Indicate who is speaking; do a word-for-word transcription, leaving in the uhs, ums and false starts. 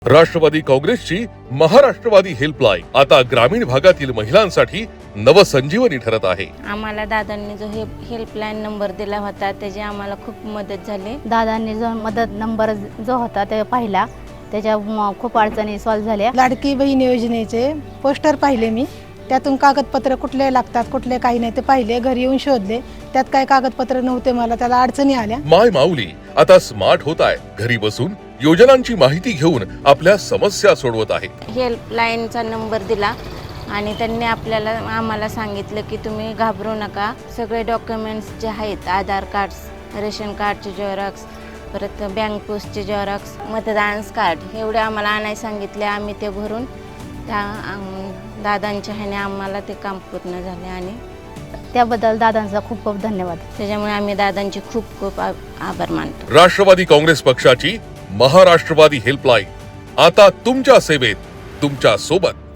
Speaker 1: राष्ट्रवादी काँग्रेसची महाराष्ट्रवादी हेल्पलाईन आता ग्रामीण भागातील महिलांसाठी नवसंजीवनी ठरत आहे।
Speaker 2: आम्हाला दादांनी जो हे हेल्पलाईन नंबर दिला होता त्याची आम्हाला खूप मदत झाली।
Speaker 3: दादांनी जो मदत नंबर जो होता ते पाहिला, त्याच्या म- खूप अडचणी सॉल्व्ह झाल्या।
Speaker 4: लाडकी बहीण योजनेचे पोस्टर पाहिले मी, त्यातून कागदपत्र कुठले लागतात कुठले काही नाही ते पाहिले, घरी येऊन शोधले, त्यात काय कागदपत्र नव्हते, मला त्याला अडचणी आल्या।
Speaker 1: माय माऊली आता स्मार्ट होत आहे, घरी बसून योजनांची माहिती घेऊन आपल्या समस्या सोडवत आहे।
Speaker 2: हेल्पलाईनचा नंबर दिला आणि त्यांनी आपल्याला आम्हाला सांगितलं की तुम्ही घाबरू नका, सगळे डॉक्युमेंट्स जे आहेत आधार कार्ड्स, रेशन कार्डचे झेरॉक्स, परत बँक पोस्टचे झेरॉक्स, मतदान कार्ड एवढे आम्हाला आणायला सांगितले। आम्ही ते भरून त्या आम- दादांच्या ह्याने आम्हाला ते काम पूर्ण झाले आणि
Speaker 3: त्याबद्दल दादांचा खूप खूप धन्यवाद।
Speaker 2: त्याच्यामुळे आम्ही दादांचे खूप खूप आ- आभार मानतो।
Speaker 1: राष्ट्रवादी काँग्रेस पक्षाची महाराष्ट्रवादी हेल्पलाईन आता तुमच्या सेवेत, तुमच्या सोबत।